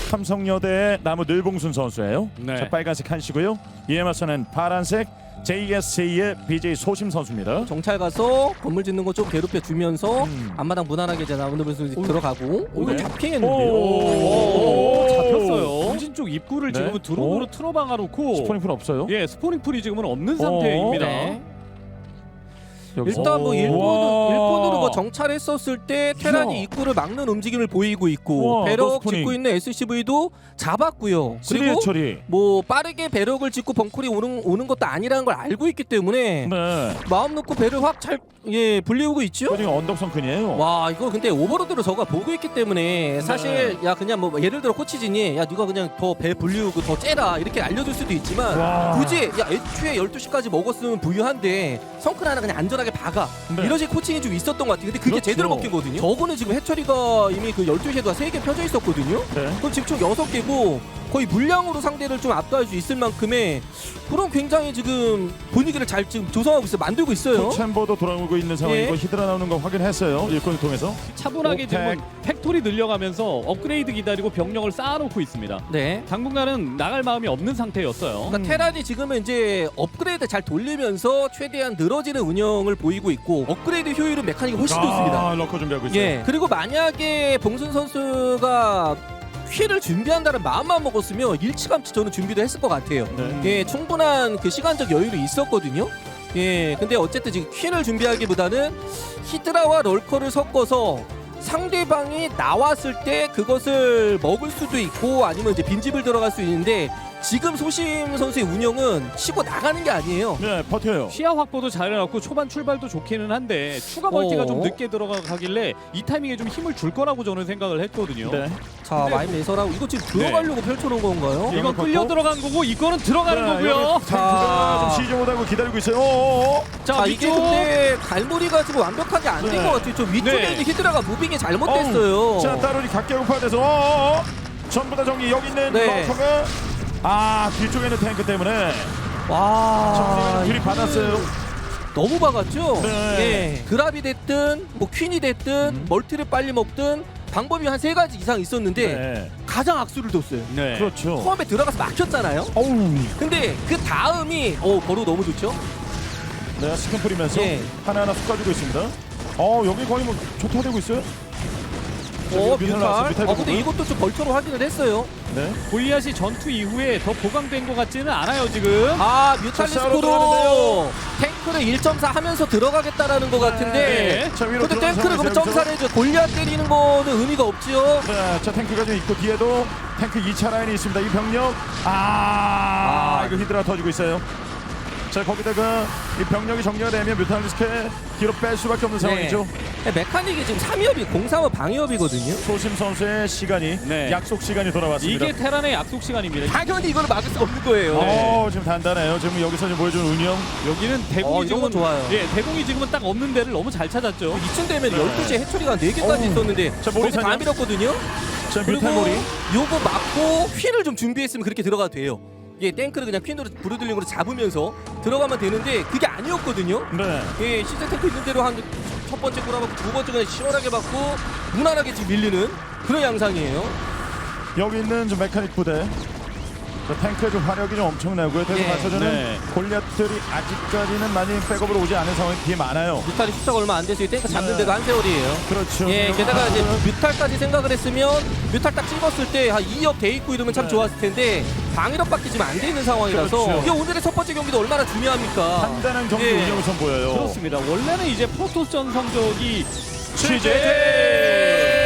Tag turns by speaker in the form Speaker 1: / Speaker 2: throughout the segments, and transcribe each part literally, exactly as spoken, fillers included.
Speaker 1: 삼성여대의 나무 늘봉순 선수예요.
Speaker 2: 네.
Speaker 1: 자, 빨간색 한시고요. 이에 맞서는 파란색 제이에스제이의 비제이 소심 선수입니다.
Speaker 3: 정찰 가서 건물 짓는 거 좀 괴롭혀 주면서
Speaker 1: 음.
Speaker 3: 앞마당 무난하게 이제 나무늘 선수 들어가고 오, 이거
Speaker 2: 네.
Speaker 3: 잡히겠는데요.
Speaker 2: 오,
Speaker 1: 오,
Speaker 2: 잡혔어요. 본진 쪽 입구를
Speaker 1: 네.
Speaker 2: 지금은 드론으로
Speaker 1: 오.
Speaker 2: 틀어박아 놓고
Speaker 1: 스포닝풀 없어요?
Speaker 2: 예, 스포닝 풀이 지금은 없는 상태입니다.
Speaker 3: 네.
Speaker 1: 여기서.
Speaker 3: 일단 뭐 일본은
Speaker 1: 우와.
Speaker 3: 일본으로 뭐 정찰했었을 때 테란이
Speaker 1: 이야.
Speaker 3: 입구를 막는 움직임을 보이고 있고
Speaker 1: 우와,
Speaker 3: 배럭
Speaker 1: 노스포닝.
Speaker 3: 짓고 있는 에스씨브이도 잡았고요.
Speaker 1: 쓰리의
Speaker 3: 그리고
Speaker 1: 처리.
Speaker 3: 뭐 빠르게 배럭을 짓고 벙콜이 오는 오는 것도 아니라는 걸 알고 있기 때문에
Speaker 1: 네.
Speaker 3: 마음 놓고 배를 확 잘 예 불리우고 있죠.
Speaker 1: 지금 언덕성큰이에요.
Speaker 3: 와 이거 근데 오버로드로 저가 보고 있기 때문에 사실
Speaker 1: 네.
Speaker 3: 야 그냥 뭐 예를 들어 코치진이 야 네가 그냥 더 배 불리우고 더 째라 이렇게 알려줄 수도 있지만
Speaker 1: 와.
Speaker 3: 굳이 야 애초에 열두 시까지 먹었으면 부유한데 성큰 하나 그냥 안전하게 박아
Speaker 1: 네.
Speaker 3: 이런 식 코칭이 좀 있었던 것 같아요. 근데 그게
Speaker 1: 그렇죠.
Speaker 3: 제대로 먹힌 거거든요. 저거는 지금 해처리가 이미 그 열두 시에도 세 개 펴져 있었거든요.
Speaker 1: 네.
Speaker 3: 그럼 지금 총 여섯 개고 거의 물량으로 상대를 좀 압도할 수 있을 만큼의 그런 굉장히 지금 분위기를 잘 지금 조성하고 있어요. 만들고 있어요.
Speaker 1: 챔버도 돌아오고 있는 상황이고
Speaker 3: 예.
Speaker 1: 히드라 나오는 거 확인했어요. 일꾼을 통해서.
Speaker 2: 차분하게
Speaker 1: 오펙.
Speaker 2: 지금 팩토리 늘려가면서 업그레이드 기다리고 병력을 쌓아놓고 있습니다.
Speaker 3: 네.
Speaker 2: 당분간은 나갈 마음이 없는 상태였어요.
Speaker 3: 그러니까 테란이 지금은 이제 업그레이드 잘 돌리면서 최대한 늘어지는 운영을 보이고 있고 업그레이드 효율은 메카닉이 훨씬 좋습니다.
Speaker 1: 아, 러커 준비하고 있어요.
Speaker 3: 예. 그리고 만약에 봉순 선수가 퀴를 준비한다는 마음만 먹었으면 일찌감치 저는 준비도 했을 것 같아요.
Speaker 1: 네.
Speaker 3: 예, 충분한 그 시간적 여유도 있었거든요. 예, 근데 어쨌든 지금 퀴를 준비하기보다는 히드라와 럴커를 섞어서 상대방이 나왔을 때 그것을 먹을 수도 있고 아니면 이제 빈집을 들어갈 수 있는데 지금 소심 선수의 운영은 치고 나가는 게 아니에요.
Speaker 1: 네, 버텨요.
Speaker 2: 시야 확보도 잘 해놨고 초반 출발도 좋기는 한데 추가 멀티가
Speaker 3: 어.
Speaker 2: 좀 늦게 들어가길래 이 타이밍에 좀 힘을 줄 거라고 저는 생각을 했거든요.
Speaker 1: 네.
Speaker 3: 자,
Speaker 2: 근데-
Speaker 3: 와인 레서라고 이거 지금 들어가려고 펼쳐놓은 건가요?
Speaker 1: 예.
Speaker 2: 이건 끌려 들어간 거고 이거는 들어가는
Speaker 1: 네,
Speaker 2: 거고요.
Speaker 1: 여기 탱크가 좀 시즈 못하고 기다리고 있어요. 어어어.
Speaker 2: 자,
Speaker 3: 자, 이게
Speaker 2: 위쪽.
Speaker 3: 근데 갈무리가 지금 완벽하게 안 된
Speaker 1: 네.
Speaker 3: 것 같아요. 좀 위쪽에
Speaker 2: 네.
Speaker 3: 있는 히드라가 무빙이 잘못됐어요.
Speaker 1: 자, 따로니 각계급파돼서 어어어. 전부 다 정리. 여기 있는
Speaker 3: 네.
Speaker 1: 러커가 아, 뒤쪽에 있는 탱크 때문에
Speaker 3: 와,
Speaker 1: 정리가 둘이 받았어요.
Speaker 3: 너무 박았죠?
Speaker 1: 네.
Speaker 3: 예. 그랍이 됐든 뭐 퀸이 됐든
Speaker 1: 음.
Speaker 3: 멀티를 빨리 먹든 방법이 한 세 가지 이상 있었는데
Speaker 1: 네.
Speaker 3: 가장 악수를 뒀어요.
Speaker 2: 네.
Speaker 1: 그렇죠.
Speaker 3: 처음에 들어가서 막혔잖아요.
Speaker 1: 어우.
Speaker 3: 근데 그 다음이 어 버로 너무 좋죠?
Speaker 1: 네, 스캔 뿌리면서
Speaker 3: 예.
Speaker 1: 하나하나 쏟아주고 있습니다. 어, 여기 거의 뭐 초토화되고 있어요.
Speaker 3: 어
Speaker 1: 뮤탈
Speaker 3: 뮤탈.
Speaker 1: 나왔어요, 뮤탈
Speaker 3: 어 근데
Speaker 1: 부분.
Speaker 3: 이것도 좀 벌처로 확인을 했어요.
Speaker 1: 네.
Speaker 2: 골리앗이 전투 이후에 더 보강된 것 같지는 않아요 지금.
Speaker 3: 아
Speaker 1: 싸우러
Speaker 3: 뮤탈리스크로
Speaker 1: 들어가는데요.
Speaker 3: 탱크를 일 점 사 하면서 들어가겠다라는 것 같은데
Speaker 2: 네.
Speaker 1: 자, 위로
Speaker 3: 근데
Speaker 1: 들어가는
Speaker 3: 탱크를 그러면
Speaker 1: 상황에서
Speaker 3: 점사를 해줘. 골리앗 때리는 거는 의미가 없지요.
Speaker 1: 네, 자 탱크가 좀 있고 뒤에도 탱크 이 차 라인이 있습니다. 이 병력 아,
Speaker 3: 아.
Speaker 1: 이거 히드라 터지고 있어요. 자 거기다가 이 병력이 정리가 되면 뮤탈리스크에 뒤로 뺄 수밖에 없는 상황이죠.
Speaker 3: 네, 메카닉이 지금 삼 위업이 공삼업 방위업이거든요.
Speaker 1: 소심 선수의 시간이
Speaker 2: 네.
Speaker 1: 약속 시간이 돌아왔습니다.
Speaker 2: 이게 테란의 약속 시간입니다.
Speaker 3: 당연히 이거를 막을 수가 없는 거예요.
Speaker 1: 어, 지금 단단해요. 지금 여기서 지금 보여준 운영.
Speaker 2: 여기는 대공이
Speaker 3: 어, 이런 건
Speaker 2: 지금은
Speaker 3: 좋아요.
Speaker 2: 예, 대공이 지금은 딱 없는 데를 너무 잘 찾았죠.
Speaker 3: 이쯤 되면
Speaker 1: 네.
Speaker 3: 열두 시에 해처리가 네 개까지
Speaker 1: 어우.
Speaker 3: 있었는데
Speaker 1: 자, 모리
Speaker 3: 거기 다
Speaker 1: 사냥.
Speaker 3: 밀었거든요.
Speaker 1: 자
Speaker 3: 그리고
Speaker 1: 뮤탈몰이.
Speaker 3: 요거 맞고 휠을 좀 준비했으면 그렇게 들어가도 돼요. 예, 탱크를 그냥 퀸으로 브루들링으로 잡으면서 들어가면 되는데 그게 아니었거든요.
Speaker 1: 네.
Speaker 3: 예, 시즌 탱크 있는 대로 한 첫 번째 꼬라박고 두 번째 그냥 시원하게 받고 무난하게 지금 밀리는 그런 양상이에요.
Speaker 1: 여기 있는 좀 메카닉 부대. 자, 탱크의 좀 화력이 좀 엄청나고요. 대구
Speaker 3: 예.
Speaker 1: 맞춰주는
Speaker 2: 네.
Speaker 1: 골리앗들이 아직까지는 많이 백업으로 오지 않은 상황이 되게 많아요.
Speaker 3: 뮤탈이 숫자가 얼마 안 돼서 이 탱크 잡는
Speaker 1: 네.
Speaker 3: 데가 한 세월이에요.
Speaker 1: 그렇죠.
Speaker 3: 예, 게다가 이제
Speaker 1: 아,
Speaker 3: 뮤탈까지 생각을 했으면 뮤탈 딱 찍었을 때 한 이 업 돼 있고 이러면 참
Speaker 1: 네.
Speaker 3: 좋았을 텐데 방위력밖에 지금 안 돼 있는 상황이라서
Speaker 1: 그렇죠.
Speaker 3: 이게 오늘의 첫 번째 경기도 얼마나 중요합니까?
Speaker 1: 단단한 경기
Speaker 3: 예.
Speaker 1: 운영을 선보여요.
Speaker 2: 그렇습니다. 원래는 이제 프로토스전 성적이
Speaker 1: 취재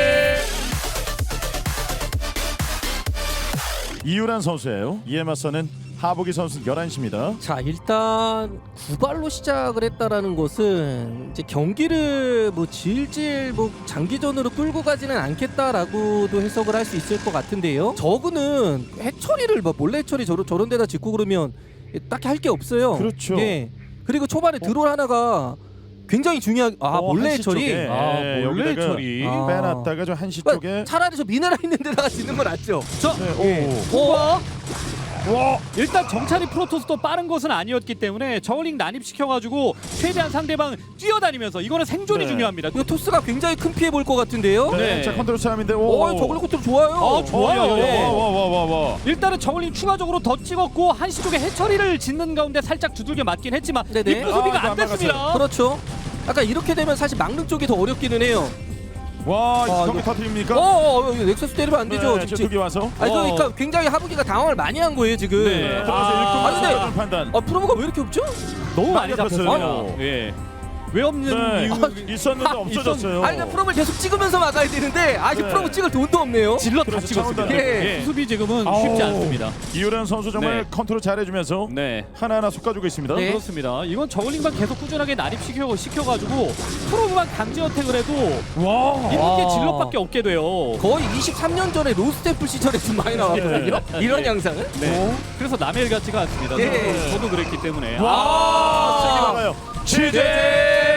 Speaker 1: 이유란 선수예요. 이에 맞서는 하복이 선수 열한 시입니다.
Speaker 3: 자, 일단 구발로 시작을 했다라는 것은 이제 경기를 뭐 질질 뭐 장기전으로 끌고 가지는 않겠다라고도 해석을 할 수 있을 것 같은데요. 저그는 해처리를 뭐 몰래 해처리 저런 저런 데다 짓고 그러면 딱히 할 게 없어요.
Speaker 1: 그렇죠.
Speaker 3: 예. 그리고 초반에 드롤 하나가 굉장히 중요한 아
Speaker 1: 어,
Speaker 3: 몰래
Speaker 1: 한시
Speaker 3: 해처리.
Speaker 1: 쪽에.
Speaker 2: 아,
Speaker 1: 예,
Speaker 2: 몰래
Speaker 1: 여기다가
Speaker 2: 처리.
Speaker 3: 아.
Speaker 1: 빼놨다가 좀 한시
Speaker 3: 그러니까
Speaker 1: 쪽에
Speaker 3: 차라리 저 미네랄 있는 데다가 짓는 건 낫죠.
Speaker 2: 자,
Speaker 1: 네,
Speaker 3: 예.
Speaker 1: 오.
Speaker 2: 오버.
Speaker 1: 와.
Speaker 2: 일단 정찰이 프로토스도 빠른 것은 아니었기 때문에 저글링 난입시켜가지고 최대한 상대방 뛰어다니면서 이거는 생존이
Speaker 1: 네.
Speaker 2: 중요합니다.
Speaker 3: 이거 토스가 굉장히 큰 피해 볼 것 같은데요.
Speaker 1: 네.
Speaker 2: 네.
Speaker 1: 자 컨트롤 싸움인데. 오.
Speaker 3: 어, 저글링 컨트롤 좋아요.
Speaker 2: 어, 좋아요.
Speaker 3: 네.
Speaker 1: 와와와와.
Speaker 2: 일단은 저글링 추가적으로 더 찍었고 한시 쪽에 해처리를 짓는 가운데 살짝 두들겨 맞긴 했지만
Speaker 3: 네네.
Speaker 2: 리프 소비가
Speaker 1: 아, 이거
Speaker 2: 안
Speaker 1: 안
Speaker 2: 됐습니다.
Speaker 3: 그렇죠. 약간 이렇게 되면 사실 막는 쪽이 더 어렵기는 해요.
Speaker 1: 와,
Speaker 3: 아,
Speaker 1: 경기
Speaker 3: 이거-
Speaker 1: 터뜨립니까?
Speaker 3: 어, 어, 어, 이거 넥서스 때리면 안 되죠.
Speaker 1: 네,
Speaker 3: 지금.
Speaker 1: 두기 와서.
Speaker 3: 아니
Speaker 2: 어.
Speaker 3: 그러니까 굉장히 하부기가 당황을 많이 한 거예요 지금.
Speaker 2: 네.
Speaker 1: 들어가서
Speaker 2: 아,
Speaker 1: 일꾼
Speaker 3: 근데-
Speaker 1: 맞추는 판단.
Speaker 3: 아 프로모가 왜 이렇게 없죠?
Speaker 2: 너무 많이
Speaker 1: 많이
Speaker 2: 잡혔습니다.
Speaker 1: 잡혔어요.
Speaker 2: 예. 왜 없는
Speaker 1: 네.
Speaker 2: 이유
Speaker 1: 있었는데
Speaker 3: 아,
Speaker 1: 없어졌어요.
Speaker 3: 아니 그러니까 프로모를 계속 찍으면서 막아야 되는데 아직
Speaker 1: 네.
Speaker 3: 프로모 찍을 돈도 없네요.
Speaker 2: 질러 다
Speaker 1: 그래서
Speaker 2: 찍었습니다.
Speaker 1: 차원도 안
Speaker 3: 되고.
Speaker 2: 예. 수비 지금은
Speaker 1: 아우.
Speaker 2: 쉽지 않습니다.
Speaker 1: 이효란 선수 정말
Speaker 2: 네.
Speaker 1: 컨트롤 잘해주면서
Speaker 2: 네.
Speaker 1: 하나하나 솎아주고 있습니다.
Speaker 3: 네.
Speaker 2: 그렇습니다. 이건 저글링만 계속 꾸준하게 난입시켜 시켜가지고 프로그만 강제 어택을 해도
Speaker 1: 와.
Speaker 2: 이런 게
Speaker 3: 아.
Speaker 2: 질럿밖에 없게 돼요.
Speaker 3: 거의 이십삼 년 전에 로스테플 시절에 좀 많이 나왔거든요. 이런
Speaker 2: 예.
Speaker 3: 양상은.
Speaker 2: 네. 그래서 남의 일 같지가 않습니다.
Speaker 3: 예.
Speaker 2: 저도, 저도 그랬기 때문에.
Speaker 1: 와.
Speaker 3: 아.
Speaker 1: 세게 막아요. 지대.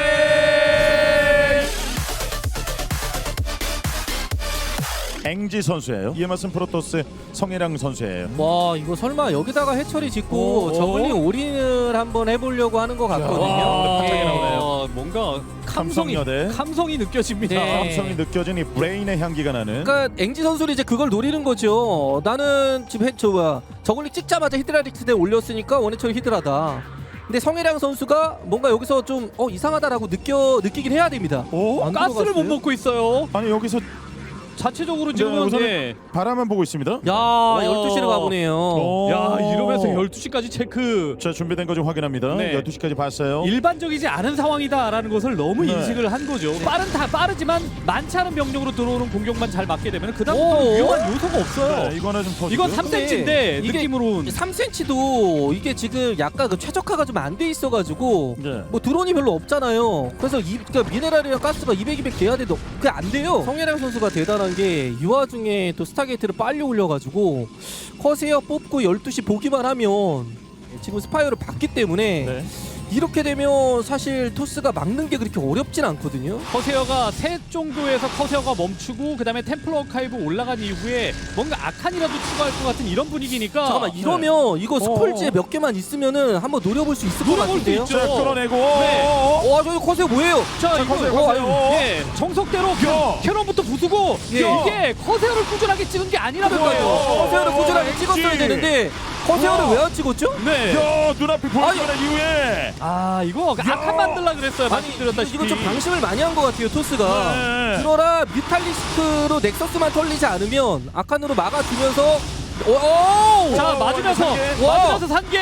Speaker 1: 앵지 선수예요. 이에 맞선 프로토스 성혜랑 선수예요.
Speaker 3: 와 이거 설마 여기다가 해처리 짓고
Speaker 2: 오.
Speaker 3: 저글링 올인을 한번 해보려고 하는 것 같거든요.
Speaker 1: 와,
Speaker 3: 예.
Speaker 1: 갑자기 나오네요.
Speaker 2: 어, 뭔가 감성이
Speaker 1: 감성여대.
Speaker 2: 감성이 느껴집니다.
Speaker 3: 네.
Speaker 1: 감성이 느껴진 이 브레인의 향기가 나는.
Speaker 3: 그러니까 앵지 선수는 이제 그걸 노리는 거죠. 나는 지금 해저 뭐야 저글링 찍자마자 히드라릭스에 올렸으니까 원해처리 히드라다. 근데 성혜랑 선수가 뭔가 여기서 좀 어 이상하다라고 느껴 느끼긴 해야 됩니다.
Speaker 1: 오?
Speaker 3: 안
Speaker 2: 가스를 못
Speaker 3: 들어갔어요?
Speaker 2: 먹고 있어요.
Speaker 1: 아니 여기서
Speaker 2: 자체적으로
Speaker 1: 네,
Speaker 2: 지금은
Speaker 1: 우선은
Speaker 2: 예.
Speaker 1: 바라만 보고 있습니다.
Speaker 3: 야 열두 시를 가보네요.
Speaker 1: 오.
Speaker 2: 야 이러면서 열두 시까지 체크.
Speaker 1: 자 준비된 거 좀 확인합니다.
Speaker 2: 네.
Speaker 1: 열두 시까지 봤어요.
Speaker 2: 일반적이지 않은 상황이다라는 것을 너무
Speaker 1: 네.
Speaker 2: 인식을 한 거죠. 빠른 다 빠르지만 많지 않은 병력으로 들어오는 공격만 잘 막게 되면
Speaker 3: 오.
Speaker 2: 그다음부터 위험한 요소가 없어요.
Speaker 1: 네, 이거는 좀 터지고.
Speaker 2: 이건 삼 센티미터인데
Speaker 3: 이게-
Speaker 2: 느낌으로는
Speaker 3: 삼 센티미터도 이게 지금 약간 그 최적화가 좀 안 돼 있어가지고
Speaker 1: 네.
Speaker 3: 뭐 드론이 별로 없잖아요. 그래서 이 그러니까 미네랄이랑 가스가 이백, 이백 돼야 돼도 그게 안 돼요. 성혜랑 선수가 대단한 게 이 와중에 또 스타게이트를 빨리 올려가지고 커세어 뽑고 열두 시 보기만 하면 지금 스파이어를 봤기 때문에
Speaker 1: 네.
Speaker 3: 이렇게 되면 사실 토스가 막는 게 그렇게 어렵진 않거든요.
Speaker 2: 커세어가 셋 정도에서 커세어가 멈추고 그다음에 템플러 아카이브 올라간 이후에 뭔가 아칸이라도 추가할 것 같은 이런 분위기니까
Speaker 3: 잠깐만 이러면 이거 스폴지에
Speaker 1: 어.
Speaker 3: 몇 개만 있으면은 한번 노려볼 수 있을 것
Speaker 2: 노려볼 수
Speaker 3: 같은데요.
Speaker 2: 있죠.
Speaker 1: 자 끌어내고.
Speaker 2: 네.
Speaker 1: 어, 어,
Speaker 3: 와 저기 커세어 뭐예요?
Speaker 2: 자,
Speaker 1: 자,
Speaker 2: 이거
Speaker 1: 커세어,
Speaker 2: 어,
Speaker 1: 커세어.
Speaker 2: 아유, 예, 정석대로
Speaker 1: 야.
Speaker 2: 캐논부터 부수고
Speaker 3: 예.
Speaker 2: 이게 커세어를 꾸준하게 찍은 게 아니라는
Speaker 3: 그러니까요.
Speaker 2: 거예요.
Speaker 3: 커세어를 꾸준하게
Speaker 1: 어,
Speaker 3: 찍었어야
Speaker 1: 엑지.
Speaker 3: 되는데 커세어를
Speaker 1: 우와.
Speaker 3: 왜 안 찍었죠?
Speaker 2: 네.
Speaker 1: 야 눈앞이 보이는 이후에.
Speaker 2: 아 이거 아칸 만들라 그랬어요.
Speaker 3: 아니
Speaker 2: 말씀드렸다시피.
Speaker 3: 이거 좀 방심을 많이 한 것 같아요 토스가.
Speaker 1: 네.
Speaker 3: 그러나 뮤탈리스크로 넥서스만 털리지 않으면 아칸으로 막아주면서 오!
Speaker 2: 자
Speaker 1: 오,
Speaker 2: 맞으면서
Speaker 1: 산개.
Speaker 3: 와.
Speaker 2: 맞으면서 산개.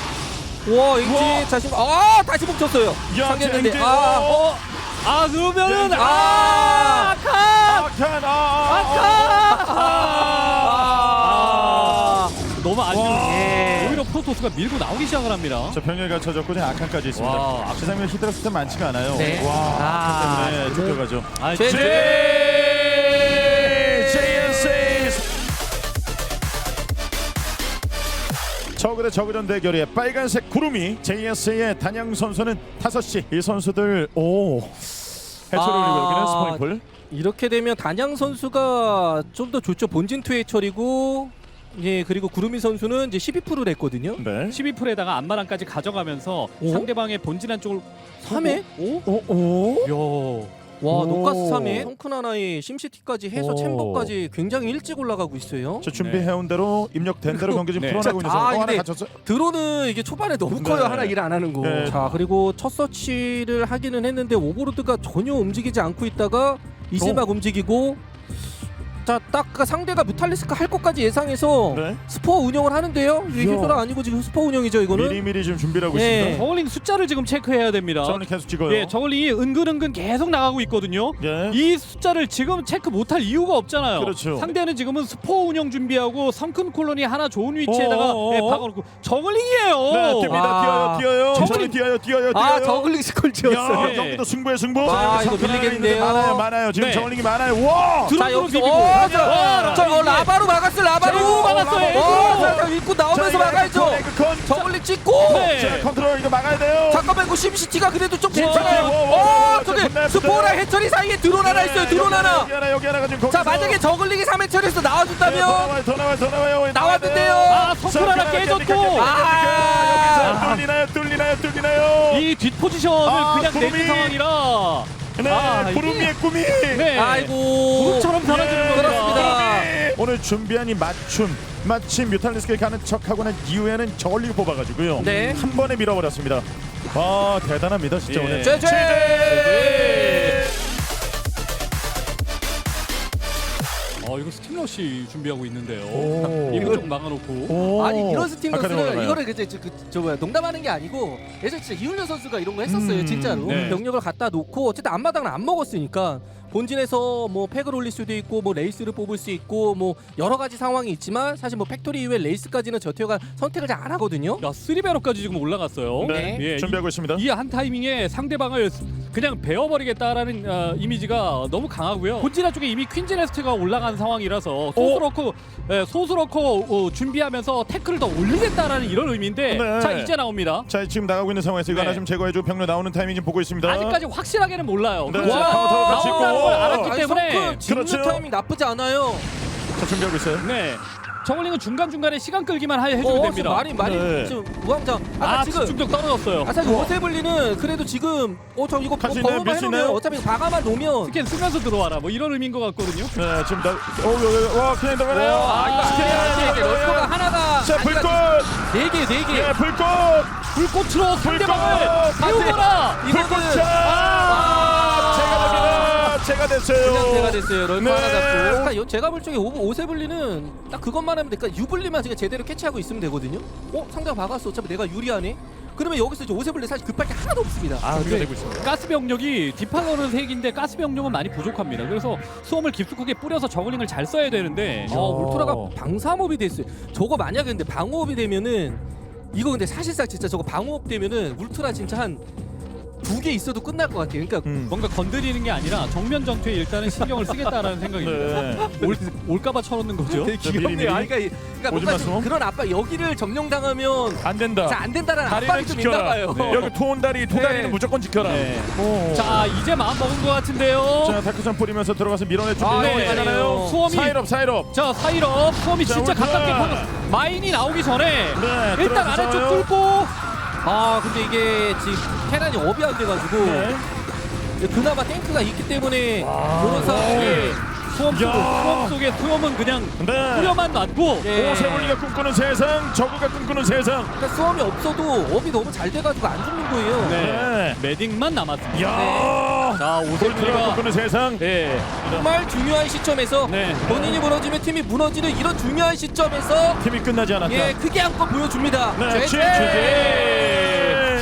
Speaker 3: 와
Speaker 1: 우와.
Speaker 3: 엑지 자신 아 다시 뭉쳤어요.
Speaker 1: 야,
Speaker 3: 상했는데
Speaker 1: 엑지.
Speaker 3: 아
Speaker 1: 어.
Speaker 2: 아 그러면은
Speaker 1: 네,
Speaker 2: 아 아칸
Speaker 1: 아칸. 아.
Speaker 2: 아칸.
Speaker 3: 아.
Speaker 2: 너무 아쉬운.
Speaker 1: 와.
Speaker 2: 오히려 프로토스가 밀고 나오기 시작을 합니다.
Speaker 1: 자 병력이 갖춰졌고 지금 아칸까지 있습니다.
Speaker 2: 와.
Speaker 1: 세상에 히드라 스타 많지가 않아요.
Speaker 3: 네.
Speaker 1: 와.
Speaker 3: 아.
Speaker 1: 아칸 때문에 쫓겨가죠.
Speaker 2: 아,
Speaker 3: 제-
Speaker 1: 제이엔씨 저그대 저그전 대결의 빨간색 구름이 제이에스의 단양 선수는 다섯 시 이 선수들 오 해처리 올리고
Speaker 3: 아.
Speaker 1: 여기는 스포닝풀.
Speaker 3: 이렇게 되면 단양 선수가 좀 더 좋죠. 본진 투 해처리고 예 그리고 구루미 선수는 이제 십이 퍼센트를 했거든요.
Speaker 1: 네.
Speaker 2: 십이 퍼센트에다가 안마랑까지 가져가면서
Speaker 3: 오?
Speaker 2: 상대방의 본진한 쪽을
Speaker 3: 삼 회?
Speaker 2: 오?
Speaker 1: 오 오.
Speaker 2: 야.
Speaker 3: 와
Speaker 1: 오.
Speaker 3: 노가스 삼 회 성큰 하나에 심시티까지 해서
Speaker 1: 오.
Speaker 3: 챔버까지 굉장히 일찍 올라가고 있어요.
Speaker 1: 저 준비해온 대로 입력된 대로 경기 지금
Speaker 2: 네.
Speaker 1: 풀어나고 있는
Speaker 3: 아,
Speaker 1: 상황. 어, 하나
Speaker 3: 근데-
Speaker 1: 갇혔어요.
Speaker 3: 드론은 이게 초반에 너무
Speaker 1: 네.
Speaker 3: 커요. 하나 일 안 하는 거.
Speaker 1: 네.
Speaker 3: 자 그리고 첫 서치를 하기는 했는데 오버로드가 전혀 움직이지 않고 있다가 이제
Speaker 1: 어.
Speaker 3: 막 움직이고 자딱 그 상대가 뮤탈리스크 할 것까지 예상해서
Speaker 1: 네.
Speaker 3: 스포 운영을 하는데요. 이게
Speaker 1: 이야.
Speaker 3: 히드라 아니고 지금 스포 운영이죠 이거는.
Speaker 1: 미리미리 지금 준비를 하고
Speaker 3: 네.
Speaker 1: 있습니다.
Speaker 2: 저글링 숫자를 지금 체크해야 됩니다.
Speaker 1: 저는 계속 찍어요.
Speaker 2: 예, 저글링이 은근은근 계속 나가고 있거든요.
Speaker 1: 예.
Speaker 2: 이 숫자를 지금 체크 못할 이유가 없잖아요.
Speaker 1: 그렇죠.
Speaker 2: 상대는 지금은 스포 운영 준비하고 성큰 콜로니 하나 좋은 위치에다가
Speaker 1: 어어어어.
Speaker 2: 예, 박아놓고 저글링이에요.
Speaker 1: 네, 뜁니다.
Speaker 3: 아.
Speaker 1: 뛰어요, 뛰어요.
Speaker 2: 저글링-
Speaker 1: 저글링 뛰어요, 뛰어요, 뛰어요.
Speaker 3: 아 저글링 스콜지였어요.
Speaker 1: 야,
Speaker 2: 네.
Speaker 1: 경기도 승부의 승부.
Speaker 3: 아,
Speaker 1: 자,
Speaker 3: 이거
Speaker 1: 삼 분
Speaker 3: 밀리겠는데요.
Speaker 1: 많아요, 많아요. 지금
Speaker 2: 네.
Speaker 1: 저글링이 많아요. 와.
Speaker 3: 자
Speaker 2: 드론으로
Speaker 3: 여기서
Speaker 2: 비비고.
Speaker 3: 어,
Speaker 2: 와,
Speaker 3: 저, 저 어,
Speaker 2: 이게-
Speaker 3: 라바로 막았어 라바로.
Speaker 2: 자, 이거 막았어요,
Speaker 3: 어,
Speaker 2: 이거.
Speaker 3: 자, 자, 입구 나오면서 막아야죠.
Speaker 1: 에그컨.
Speaker 3: 저글링 찍고.
Speaker 2: 네.
Speaker 1: 자, 컨트롤 이거 막아야 돼요.
Speaker 3: 잠깐만 이거 심시티가 그래도 좀
Speaker 1: 와,
Speaker 3: 괜찮아요.
Speaker 1: 와, 와, 와, 와,
Speaker 3: 어, 근데
Speaker 1: 끝났습니다.
Speaker 3: 스포랑 해처리 사이에 드론 하나 있어요. 드론 하나.
Speaker 1: 여기 하나 여기 하나가 지금
Speaker 3: 자,
Speaker 1: 거기서.
Speaker 3: 만약에 저글링이 삼 회처리에서
Speaker 1: 네, 더
Speaker 3: 나와준다면
Speaker 1: 나와요 더 나와요 더 나와요
Speaker 3: 나왔는데요.
Speaker 2: 아, 성풀 하나 깨졌고.
Speaker 3: 아.
Speaker 1: 여기서 뚫리나요 뚫리나요 뚫리나요
Speaker 2: 이 뒷포지션을
Speaker 1: 아,
Speaker 2: 그냥
Speaker 1: 구름이.
Speaker 2: 내는 상황이라
Speaker 1: 네
Speaker 2: 아, 이게-
Speaker 1: 구름이의 꿈이
Speaker 2: 네.
Speaker 3: 아이고.
Speaker 2: 구름처럼 사라지는
Speaker 1: 예,
Speaker 2: 겁니다.
Speaker 3: 그렇습니다.
Speaker 1: 구름이. 오늘 준비한 이 맞춤 마침 뮤탈리스크에 가는 척하고 난 이후에는 저걸리고 뽑아가지고요
Speaker 3: 네.
Speaker 1: 한 번에 밀어버렸습니다. 아 대단합니다 진짜
Speaker 2: 예.
Speaker 1: 오늘.
Speaker 3: 제, 제.
Speaker 2: 네. 어 이거 스팀러시 준비하고 있는데요.
Speaker 1: 오.
Speaker 2: 이거 좀 막아놓고.
Speaker 1: 오.
Speaker 3: 아니 이런
Speaker 1: 아카데미
Speaker 3: 스팀러스를
Speaker 1: 올라가요.
Speaker 3: 이거를 그저 저, 그, 저 뭐야 농담하는 게 아니고 예전 진짜 이훈련 선수가 이런 거 했었어요.
Speaker 1: 음,
Speaker 3: 진짜로
Speaker 2: 네.
Speaker 3: 병력을 갖다 놓고 어쨌든 앞마당을 안 먹었으니까 본진에서 뭐 팩을 올릴 수도 있고 뭐 레이스를 뽑을 수 있고 뭐 여러 가지 상황이 있지만 사실 뭐 팩토리 이후에 레이스까지는 저태호가 선택을 잘 안 하거든요.
Speaker 2: 야 쓰리베로까지 지금 올라갔어요.
Speaker 1: 네,
Speaker 2: 예,
Speaker 1: 준비하고 있습니다.
Speaker 2: 이 한 타이밍에 상대방을 그냥 베어버리겠다라는 어, 이미지가 너무 강하고요. 본진화 쪽에 이미 퀸즈네스트가 올라간 상황이라서 소스러커 예, 소스러커 어, 준비하면서 태클을 더 올리겠다라는 이런 의미인데
Speaker 1: 네.
Speaker 2: 자 이제 나옵니다.
Speaker 1: 자 지금 나가고 있는 상황에서 이거
Speaker 2: 네.
Speaker 1: 하나 좀 제거해주고 병력 나오는 타이밍 좀 보고 있습니다.
Speaker 2: 아직까지 확실하게는 몰라요.
Speaker 1: 네,
Speaker 2: 그렇죠.
Speaker 1: 자, 카운터를 같이
Speaker 2: 나온다는
Speaker 1: 있고.
Speaker 2: 걸 알았기
Speaker 3: 아니,
Speaker 2: 때문에
Speaker 3: 성큼 짓는
Speaker 1: 그렇죠.
Speaker 3: 타이밍 나쁘지 않아요.
Speaker 1: 자 준비하고 있어요.
Speaker 2: 네. 저글링은 중간 중간에 시간 끌기만 하- 해주면
Speaker 3: 어,
Speaker 2: 됩니다.
Speaker 3: 많이 많이
Speaker 1: 네.
Speaker 3: 지금 우왕좌.
Speaker 2: 아
Speaker 3: 아까 지금
Speaker 2: 집중력 떨어졌어요.
Speaker 3: 아 사실 오세블리는 그래도 지금 어저 이거
Speaker 1: 갈수
Speaker 3: 뭐
Speaker 1: 있나요? 밀 수
Speaker 3: 해놓으면
Speaker 1: 있나요?
Speaker 3: 어차피 과감한 놓으면
Speaker 2: 스캔 쓰면서 들어와라. 뭐 이런 의미인 것 같거든요.
Speaker 1: 네 지금 나. 오 여기 여기. 와 그냥 들어가네요.
Speaker 2: 와,
Speaker 3: 아 이거
Speaker 2: 아,
Speaker 3: 스킬이 이게 럴커가 하나가
Speaker 1: 자 불꽃.
Speaker 3: 네개네개
Speaker 1: 예 불꽃.
Speaker 2: 불꽃으로 상대방을
Speaker 1: 불꽃!
Speaker 2: 태우거라.
Speaker 1: 불꽃차.
Speaker 3: 아,
Speaker 1: 제가 됩니다. 제가 됐어요.
Speaker 3: 그냥 제가 됐어요. 럴커
Speaker 1: 네.
Speaker 3: 하나 잡고. 그러니까 요- 제가 볼 적에 오, 오세블리는 딱 그것만 하면 돼. 그러니까 유블리만 지금 제대로 캐치하고 있으면 되거든요. 어 상대가 박았어. 어차피 내가 유리하네. 그러면 여기서 이제 오세블리 사실 급할 게 하나도 없습니다.
Speaker 2: 아,
Speaker 1: 준비가
Speaker 2: 근데
Speaker 1: 되고 있습니다.
Speaker 2: 가스 병력이 디파거는 색인데 가스 병력은 많이 부족합니다. 그래서 수험을 깊숙하게 뿌려서 저글링을 잘 써야 되는데
Speaker 3: 아, 울트라가 방사업이 됐어요. 저거 만약에 근데 방어업이 되면은 이거 근데 사실상 진짜 저거 방어업 되면은 울트라 진짜 한 두 개 있어도 끝날 것 같아요. 그러니까
Speaker 1: 음.
Speaker 2: 뭔가 건드리는 게 아니라 정면 전투에 일단은 신경을 쓰겠다라는 생각입니다.
Speaker 1: 네.
Speaker 2: 올, 올까봐 쳐놓는 거죠.
Speaker 3: 되게
Speaker 1: 자, 미리, 미리.
Speaker 3: 귀엽네요. 아니, 그러니까, 그러니까 뭔가
Speaker 1: 오지
Speaker 3: 좀
Speaker 1: 마소.
Speaker 3: 그런 압박 여기를 점령당하면
Speaker 1: 안 된다.
Speaker 3: 자, 안 된다라는
Speaker 1: 다리는
Speaker 3: 압박이 좀 있나
Speaker 1: 지켜라.
Speaker 3: 봐요.
Speaker 2: 네.
Speaker 1: 여기 토온다리 토다리는
Speaker 3: 네.
Speaker 1: 무조건 지켜라.
Speaker 2: 네.
Speaker 1: 오.
Speaker 2: 자 이제 마음 먹은 것 같은데요.
Speaker 1: 자 다크선 뿌리면서 들어가서 밀어내 준비.
Speaker 3: 아,
Speaker 2: 네.
Speaker 3: 네.
Speaker 2: 수험이
Speaker 1: 사이럽 사이럽.
Speaker 2: 자 사이럽 수험이
Speaker 1: 자,
Speaker 2: 진짜
Speaker 1: 울트라.
Speaker 2: 가깝게 퍼 마인이 나오기 전에
Speaker 1: 네.
Speaker 2: 일단
Speaker 1: 들어가서
Speaker 2: 아래쪽
Speaker 1: 싸워요.
Speaker 2: 뚫고
Speaker 3: 아 근데 이게 지금 테란이 업이 안 돼가지고
Speaker 1: 네.
Speaker 3: 그나마 탱크가 있기 때문에
Speaker 1: 와.
Speaker 3: 그런 상황에
Speaker 2: 수험 속
Speaker 1: 야.
Speaker 2: 수험 속에 수험은 그냥
Speaker 1: 네.
Speaker 2: 뿌려만 놨고
Speaker 3: 네.
Speaker 1: 오세블리가 꿈꾸는 세상, 저그가 꿈꾸는 세상.
Speaker 3: 그러니까 수험이 없어도 업이 너무 잘 돼가지고 안 죽는 거예요.
Speaker 2: 네.
Speaker 1: 네.
Speaker 2: 매딩만 남았습니다.
Speaker 1: 야.
Speaker 2: 자
Speaker 1: 볼트가
Speaker 2: 오세블리가
Speaker 1: 꿈꾸는 세상.
Speaker 2: 네.
Speaker 3: 정말 중요한 시점에서
Speaker 2: 네.
Speaker 3: 본인이 무너지면 팀이 무너지는 이런 중요한 시점에서
Speaker 1: 팀이 끝나지 않았다.
Speaker 3: 예 크게 한껏 보여줍니다.
Speaker 1: 네,
Speaker 3: 제제!
Speaker 1: 최재.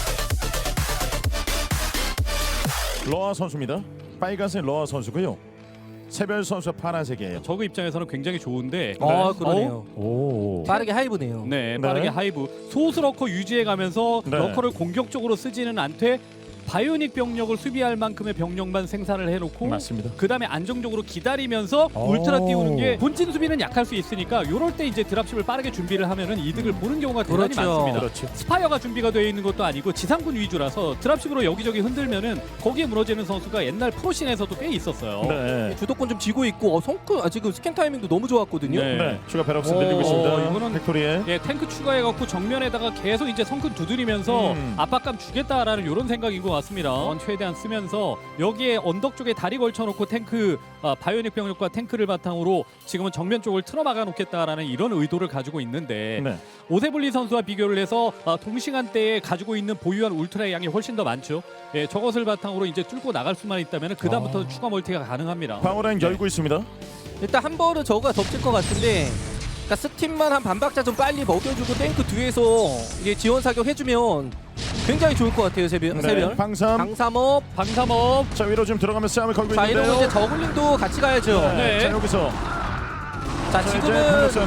Speaker 1: 러아 선수입니다. 빨간색 러아 선수고요. 새별 선수 파란색이에요.
Speaker 2: 저그 입장에서는 굉장히 좋은데
Speaker 3: 아
Speaker 2: 어?
Speaker 3: 그러네요.
Speaker 1: 오.
Speaker 3: 빠르게 하이브네요.
Speaker 2: 네,
Speaker 1: 네.
Speaker 2: 빠르게 하이브 소스 러커 유지해가면서
Speaker 1: 네.
Speaker 2: 러커를 공격적으로 쓰지는 않되 바이오닉 병력을 수비할 만큼의 병력만 생산을 해놓고
Speaker 1: 맞습니다.
Speaker 2: 그 다음에 안정적으로 기다리면서
Speaker 1: 오.
Speaker 2: 울트라 띄우는 게 본진 수비는 약할 수 있으니까 요럴 때 이제 드랍십을 빠르게 준비를 하면은 이득을 보는 경우가 대단히
Speaker 3: 그렇죠.
Speaker 2: 많습니다.
Speaker 1: 그렇죠.
Speaker 2: 스파이어가 준비가 되어 있는 것도 아니고 지상군 위주라서 드랍십으로 여기저기 흔들면은 거기에 무너지는 선수가 옛날 프로씬에서도 꽤 있었어요.
Speaker 1: 네.
Speaker 3: 주도권 좀 쥐고 있고 어, 성크 아, 지금 스캔 타이밍도 너무 좋았거든요.
Speaker 2: 네.
Speaker 1: 네. 추가 배럭스
Speaker 3: 오,
Speaker 1: 늘리고 있습니다.
Speaker 2: 이거는-
Speaker 1: 팩토리에.
Speaker 2: 예, 탱크 추가해갖고 정면에다가 계속 이제 성큰 두드리면서
Speaker 1: 음.
Speaker 2: 압박감 주겠다라는 이런 생각인 것 같습니다. 원 최대한 쓰면서 여기에 언덕 쪽에 다리 걸쳐놓고 탱크 아, 바이오닉 병력과 탱크를 바탕으로 지금은 정면 쪽을 틀어막아 놓겠다라는 이런 의도를 가지고 있는데
Speaker 1: 네.
Speaker 2: 오세블리 선수와 비교를 해서 아, 동시간대에 가지고 있는 보유한 울트라의 양이 훨씬 더 많죠. 예, 저것을 바탕으로 이제 뚫고 나갈 수만 있다면 그 다음부터
Speaker 1: 아.
Speaker 2: 추가 멀티가 가능합니다.
Speaker 1: 방어라인 열고 있습니다.
Speaker 3: 일단 한 번은 저거가 덮칠 것 같은데 그러니까 스팀만 한 반박자 좀 빨리 먹여주고 탱크 뒤에서 이게 지원 사격 해주면 굉장히 좋을 것 같아요. 세별.
Speaker 1: 네.
Speaker 3: 세별.
Speaker 1: 방삼.
Speaker 3: 방삼업.
Speaker 2: 방삼업
Speaker 1: 자 위로 지금 들어가면서 싸움을 걸고
Speaker 3: 자
Speaker 1: 있는데요.
Speaker 3: 이러고 이제 저글링도 같이 가야죠.
Speaker 1: 네.
Speaker 2: 네.
Speaker 1: 자 여기서
Speaker 3: 자
Speaker 1: 자, 이제
Speaker 3: 지금은
Speaker 1: 방역 싸움이에요.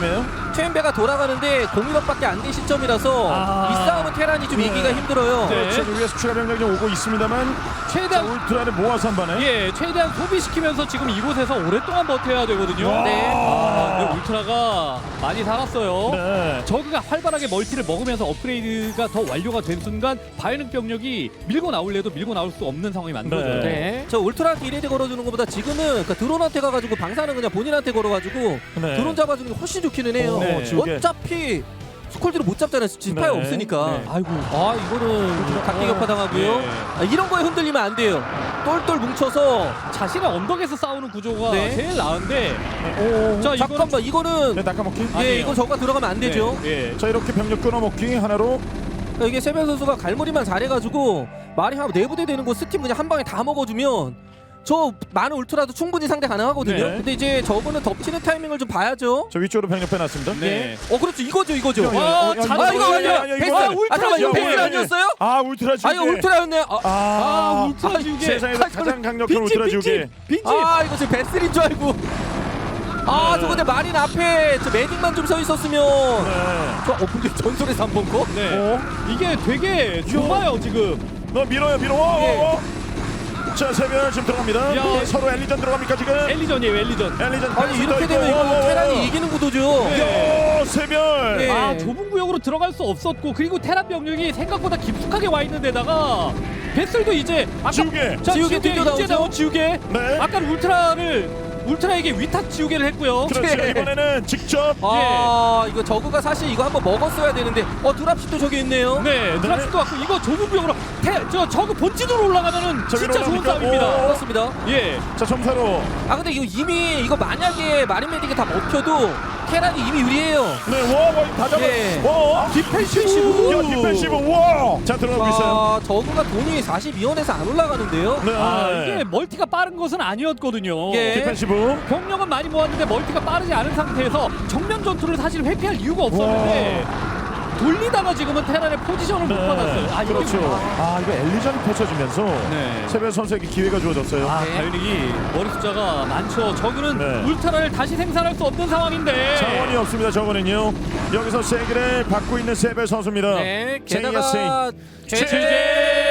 Speaker 3: 최인배가 돌아가는데 공일억밖에 안 된 시점이라서
Speaker 2: 아.
Speaker 3: 이 싸움은 테란이 좀
Speaker 1: 네.
Speaker 3: 이기가 힘들어요.
Speaker 2: 네.
Speaker 1: 그렇죠. 위에서 추가 병력이 좀 오고 있습니다만 자,
Speaker 2: 최대한
Speaker 1: 울트라를 모아서 한 번에.
Speaker 2: 예, 최대한 소비시키면서 지금 이곳에서 오랫동안 버텨야 되거든요.
Speaker 1: 와.
Speaker 3: 네.
Speaker 2: 아, 근데 울트라가 많이 살았어요.
Speaker 1: 네.
Speaker 2: 저그가 활발하게 멀티를 먹으면서 업그레이드가 더 완료가 된 순간 바이오닉 병력이 밀고 나올래도 밀고 나올 수 없는 상황이 만들어져요.
Speaker 1: 네.
Speaker 3: 네. 저 울트라한테 이레디 걸어주는 것보다 지금은 그러니까 드론한테 가가지고 방사는 그냥 본인한테 걸어가지고
Speaker 1: 네.
Speaker 3: 드론 잡아주는 게 훨씬 좋기는 해요.
Speaker 1: 네. 지우개.
Speaker 3: 어차피 스콜지를 못 잡잖아요. 지파이
Speaker 1: 네.
Speaker 3: 없으니까.
Speaker 2: 네.
Speaker 3: 아이고, 아 이거는 각기 격파당하고요.
Speaker 2: 네.
Speaker 3: 아, 이런 거에 흔들리면 안 돼요. 똘똘 뭉쳐서.
Speaker 2: 자신의 언덕에서 싸우는 구조가
Speaker 3: 네.
Speaker 2: 제일 나은데
Speaker 1: 오.
Speaker 2: 자, 이거는
Speaker 3: 잠깐만, 이거는
Speaker 1: 네, 낚아먹기.
Speaker 3: 예,
Speaker 2: 아니에요.
Speaker 3: 이거 저가 들어가면 안 되죠.
Speaker 2: 네, 예.
Speaker 1: 자, 이렇게 병력 끊어먹기 하나로.
Speaker 3: 그러니까 이게 세변 선수가 갈무리만 잘해가지고 말이 한 내부대 되는 거 스팀 그냥 한 방에 다 먹어주면 저 많은 울트라도 충분히 상대 가능하거든요.
Speaker 1: 네.
Speaker 3: 근데 이제 저거는 덮치는 타이밍을 좀 봐야죠.
Speaker 1: 저 위쪽으로 병력 빼놨습니다.
Speaker 2: 네.
Speaker 3: 어 그렇죠, 이거죠, 이거죠.
Speaker 1: 야, 야, 야,
Speaker 2: 아,
Speaker 1: 야,
Speaker 2: 자,
Speaker 1: 이거
Speaker 3: 아 이거
Speaker 1: 뭐야,
Speaker 3: 아니야.
Speaker 1: 야, 야,
Speaker 3: 베스.
Speaker 1: 이거
Speaker 3: 아
Speaker 1: 아니야.
Speaker 3: 잠깐만, 이거
Speaker 1: 야,
Speaker 3: 베스
Speaker 1: 야,
Speaker 3: 아니었어요?
Speaker 1: 아, 울트라 지우개.
Speaker 3: 아 이거 울트라였네. 아,
Speaker 1: 아,
Speaker 2: 아, 울트라 지우개.
Speaker 1: 세상에서 가장 강력한 울트라 지우개.
Speaker 2: 빈집.
Speaker 3: 아 이거 지금 베스인 줄 알고. 아
Speaker 1: 네.
Speaker 3: 저거 근데 마린 앞에 저 매딩만 좀 서 있었으면.
Speaker 1: 네.
Speaker 3: 저 어, 근데 전설에서 한 번 거?
Speaker 2: 네.
Speaker 1: 어?
Speaker 2: 이게 되게 좁아요 지금.
Speaker 1: 너 밀어요, 밀어. 어,
Speaker 3: 예.
Speaker 1: 어, 어. 자, 세별 지금 들어갑니다.
Speaker 2: 야.
Speaker 1: 네, 서로 엘리전 들어갑니까 지금?
Speaker 2: 엘리전이에요 엘리전.
Speaker 1: 엘리전.
Speaker 3: 아니 이렇게 되면 이거 테란이 이기는 구도죠.
Speaker 2: 네.
Speaker 1: 요, 세별.
Speaker 3: 네.
Speaker 2: 아 좁은 구역으로 들어갈 수 없었고 그리고 테란 병력이 생각보다 깊숙하게 와 있는 데다가 베슬도 이제 아까
Speaker 1: 지우개.
Speaker 2: 자,
Speaker 3: 지우개
Speaker 2: 지우개
Speaker 3: 튕겨
Speaker 2: 이제
Speaker 3: 나오죠?
Speaker 2: 나온 지우개.
Speaker 1: 네.
Speaker 2: 아까 울트라를 울트라에게 위탁 지우개를 했고요.
Speaker 1: 그렇죠.
Speaker 3: 네.
Speaker 1: 이번에는 직접.
Speaker 3: 아 이거 저그가 사실 이거 한번 먹었어야 되는데 어 드랍십도 저기 있네요.
Speaker 2: 네, 드랍십도 왔고 이거 좁은 구역으로 테, 저 저그 본진으로 올라가면은
Speaker 1: 저기로
Speaker 2: 진짜 좋은
Speaker 1: 올라갑니까?
Speaker 2: 싸움입니다.
Speaker 1: 오.
Speaker 3: 그렇습니다.
Speaker 2: 예.
Speaker 1: 자, 점사로.
Speaker 3: 아 근데 이거 이미 이거 만약에 마린 메딕이 다 먹혀도 테란이 이미 유리해요.
Speaker 1: 네, 와, 와, 다 잡아.
Speaker 3: 예.
Speaker 1: 와,
Speaker 2: 디펜시브.
Speaker 1: 야, 디펜시브. 와. 자, 들어가고 있어요.
Speaker 3: 아 저그가 돈이 사십이 원에서 안 올라가는데요.
Speaker 1: 네.
Speaker 2: 아, 이게 멀티가 빠른 것은 아니었거든요.
Speaker 3: 예.
Speaker 1: 디펜시브.
Speaker 2: 병력은 많이 모았는데 멀티가 빠르지 않은 상태에서 정면 전투를 사실 회피할 이유가 없었는데 돌리다가 지금은 테란의 포지션을 못 받았어요. 아, 이게
Speaker 1: 그렇죠.
Speaker 2: 뭐-
Speaker 1: 아, 이거 엘리전 펼쳐지면서
Speaker 2: 네.
Speaker 1: 세별 선수에게 기회가 주어졌어요.
Speaker 2: 아,
Speaker 3: 네.
Speaker 2: 바이오닉이 머리 숫자가 많죠. 저그는
Speaker 1: 네.
Speaker 2: 울트라를 다시 생산할 수 없는 상황인데.
Speaker 1: 자원이 없습니다. 저거는요. 여기서 세기를 받고 있는 세별 선수입니다.
Speaker 3: 네.
Speaker 1: 제이에스에이.
Speaker 3: 게다가
Speaker 1: 최재!
Speaker 3: 최재